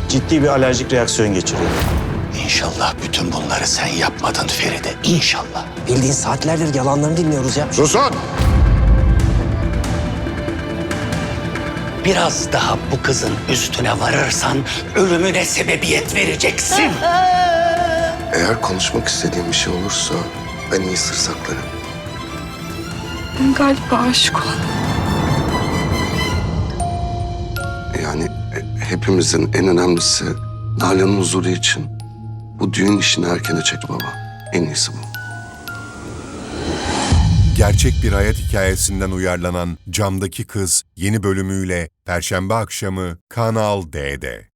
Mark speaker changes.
Speaker 1: ciddi bir alerjik reaksiyon geçiriyor.
Speaker 2: İnşallah bütün bunları sen yapmadın Feride. İnşallah.
Speaker 3: Bildiğin saatlerdir yalanlarını dinliyoruz ya.
Speaker 4: Susun!
Speaker 2: Biraz daha bu kızın üstüne varırsan ölümüne sebebiyet vereceksin.
Speaker 4: Eğer konuşmak istediğim bir şey olursa ben iyi sır saklarım.
Speaker 5: Ben galiba aşık oldum.
Speaker 4: Yani hepimizin en önemlisi Nalan'ın huzuru için bu düğün işini erkene çek baba. En iyisi bu.
Speaker 6: Gerçek bir hayat hikayesinden uyarlanan Camdaki Kız yeni bölümüyle Perşembe akşamı Kanal D'de.